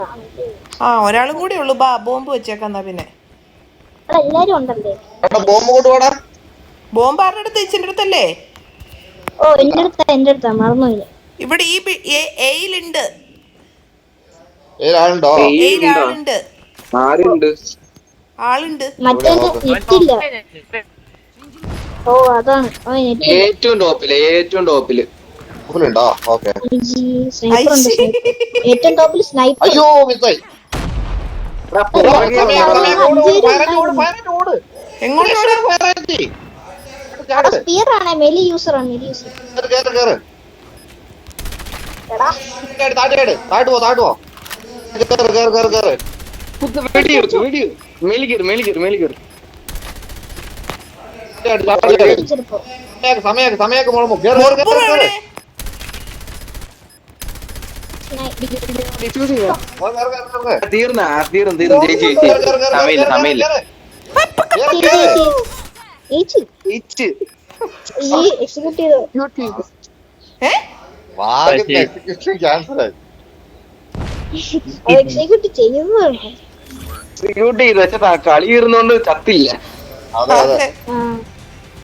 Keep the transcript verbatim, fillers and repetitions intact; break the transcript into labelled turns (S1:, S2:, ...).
S1: ആ ഒരാളും കൂടെ ഉള്ളു. ബാ ബോംബ് വെച്ചേക്കാ പിന്നെ.
S2: എല്ലാരും ഉണ്ടല്ലേ?
S3: ബോംബ് കൊണ്ടുപോടാ.
S1: ബോംബ് ആരുടെ അടുത്ത്? ഇച്ചിന്റെ അടുത്തല്ലേ?
S2: ഓ എന്റെ അടുത്താ, എന്റെ അടുത്താ, മറന്നുപോയി.
S1: ഇവിടെ ഈ എയിലുണ്ട്.
S3: ആളുണ്ടോ?
S1: എയിൽ ആളുണ്ട്.
S4: ആരുണ്ട്?
S1: ആളുണ്ട്.
S2: മറ്റേ നെറ്റില്ല. ഓ അതാണ്
S4: ഏറ്റവും ടോപ്പില്, ഏറ്റവും ടോപ്പില്
S3: ഉണ്ടോ? ഓക്കെ.
S2: സ്നൈപ്പർ ഉണ്ട്. ഏറ്റവും ടോപ്പിൽ സ്നൈപ്പർ.
S3: അയ്യോ മിസ്സായി.
S2: സ്പിയർ ആണ്. മെലി യൂസർ ആണ്. മെലി യൂസർ.
S3: താഴ്ത്തുവോ താഴ്ത്തുവോ. സമയൊക്കെ സമയൊക്കെ മുളമോ.
S4: തീർന്ന തീർന്നു തീർന്നു ചേച്ചി ചേച്ചി സമയില്ല സമയില്ല. എക്സിക്യൂട്ട് ചെയ്ത് വെച്ചാ കളി ഇരുന്നോണ്ട് ചത്തില്ല.